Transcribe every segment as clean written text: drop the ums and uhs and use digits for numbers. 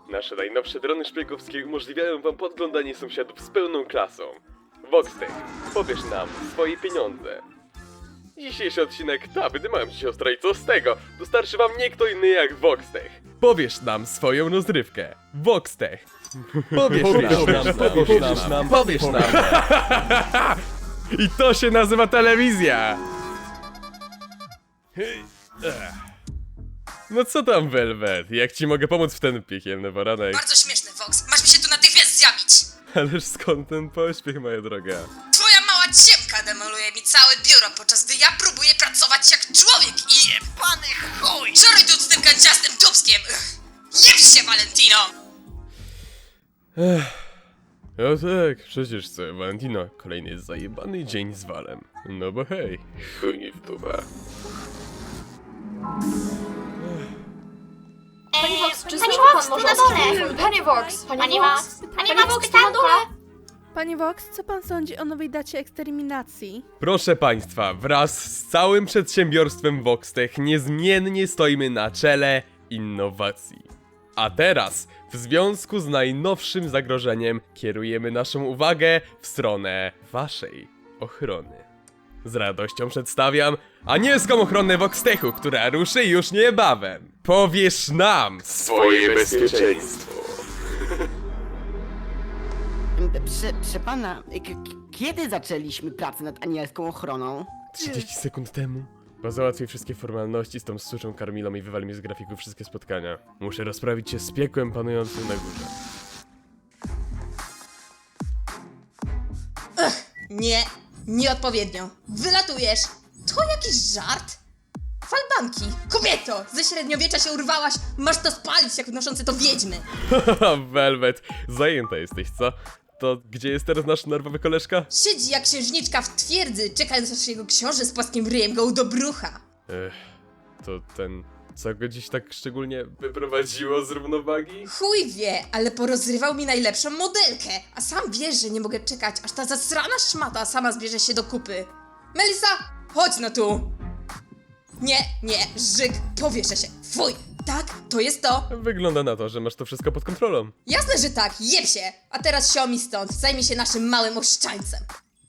Nasze najnowsze drony szpiegowskie umożliwiają wam podglądanie sąsiadów z pełną klasą. Voxtech, powiesz nam swoje pieniądze. Dzisiejszy odcinek Tabdy mam ci siostra i co z tego? Dostarczy wam nie kto inny jak Voxtech. Powiesz nam swoją rozrywkę. Voxtech. Powiesz nam. I to się nazywa telewizja. No co tam, Velvet? Jak ci mogę pomóc w ten piekielny poranek? Bardzo śmieszny, Vox. Masz mi się tu natychmiast zjawić. Ależ skąd ten pośpiech, moja droga? Twoja mała ciemka demoluje mi całe biuro, podczas gdy ja próbuję pracować jak człowiek i... Jebany chuj! Szoruj tu z tym kanciastym dubskiem! Jeb się, Valentino! No tak, przecież co, Valentino, kolejny zajebany dzień z walem. No bo hej, chuj w tuba. Pani Vox, czy Pani znowu Vox, pan tu może na dole! odstąpić? Pani Vox! Pani Vox! Pani Vox, tam na dole! Panie Vox, co pan sądzi o nowej dacie eksterminacji? Proszę państwa, wraz z całym przedsiębiorstwem Voxtech niezmiennie stoimy na czele innowacji. A teraz, w związku z najnowszym zagrożeniem, kierujemy naszą uwagę w stronę waszej ochrony. Z radością przedstawiam anielską ochronę Voxtechu, która ruszy już niebawem. Powiesz nam swoje bezpieczeństwo. Proszę pana, kiedy zaczęliśmy pracę nad anielską ochroną? 30 sekund temu. Bo załatwię wszystkie formalności z tą suczą Karmilą i wywali mi z grafiku wszystkie spotkania. Muszę rozprawić się z piekłem panującym na górze. Nieodpowiednio. Wylatujesz. To jakiś żart? Falbanki. Kobieto! Ze średniowiecza się urwałaś. Masz to spalić jak noszące to wiedźmy. Haha, Velvet, zajęta jesteś, co? To gdzie jest teraz nasz nerwowy koleżka? Siedzi jak księżniczka w twierdzy, czekając aż jego książę z płaskim ryjem go udobrucha. To ten, co go dziś tak szczególnie wyprowadziło z równowagi? Chuj wie, ale porozrywał mi najlepszą modelkę. A sam wiesz, że nie mogę czekać, aż ta zasrana szmata sama zbierze się do kupy. Melisa, chodź no tu. Nie, Żyk, powieszę się. Fuj, tak, to jest to. Wygląda na to, że masz to wszystko pod kontrolą. Jasne, że tak, jeb się. A teraz siomi stąd, zajmij się naszym małym oszczańcem.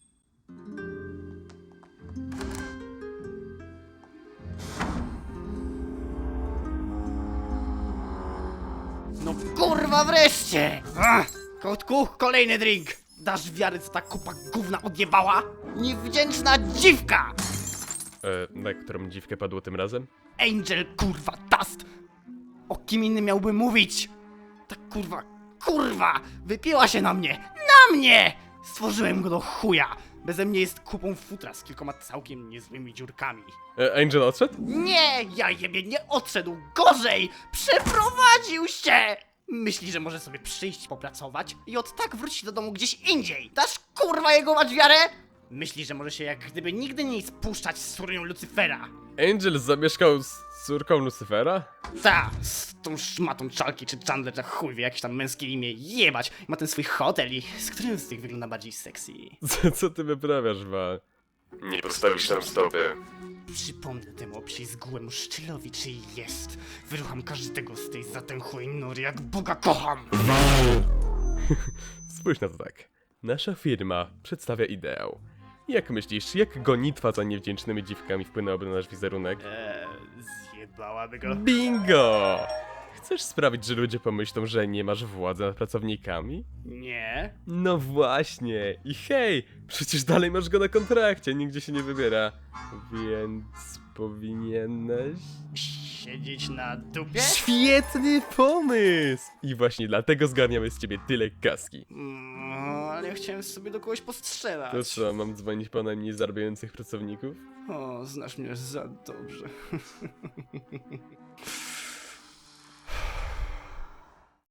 No kurwa wreszcie! Kotku, kolejny drink! Dasz wiary, co ta kupa gówna odjebała? Niewdzięczna dziwka! Na którą dziwkę padło tym razem? Angel kurwa Dust! O kim innym miałby mówić? Ta kurwa! Wypiła się na mnie! Na mnie! Stworzyłem go do chuja! Beze mnie jest kupą futra z kilkoma całkiem niezłymi dziurkami. Angel odszedł? Nie, ja jebie nie odszedł, gorzej! Przeprowadził się! Myśli, że może sobie przyjść popracować i od tak wrócić do domu gdzieś indziej. Dasz kurwa jego mać wiarę? Myśli, że może się jak gdyby nigdy nie spuszczać z córnią Lucyfera. Angel zamieszkał z córką Lucifera? Ta, z tą szmatą Chalky czy Chandler, za chuj wie, jakieś tam męskie imię, jebać. Ma ten swój hotel i z którym z tych wygląda bardziej sexy? Co ty wyprawiasz, Val? Nie postawisz tam stopy. Przypomnę temu obślizgłemu szczylowi, czyj jest. Wyrucham każdego z tej zatęchłej nury, jak Boga kocham. Spójrz na to tak. Nasza firma przedstawia ideał. Jak myślisz, jak gonitwa za niewdzięcznymi dziwkami wpłynęłaby na nasz wizerunek? Zjebałaby go. Bingo! Chcesz sprawić, że ludzie pomyślą, że nie masz władzy nad pracownikami? Nie. No właśnie! I hej! Przecież dalej masz go na kontrakcie, nigdzie się nie wybiera. Więc powinieneś... Siedzieć na dupie? Świetny pomysł! I właśnie dlatego zgarniamy z ciebie tyle kaski. Ale ja chciałem sobie do kogoś postrzelać. To co, mam dzwonić po najmniej zarabiających pracowników? O, znasz mnie za dobrze.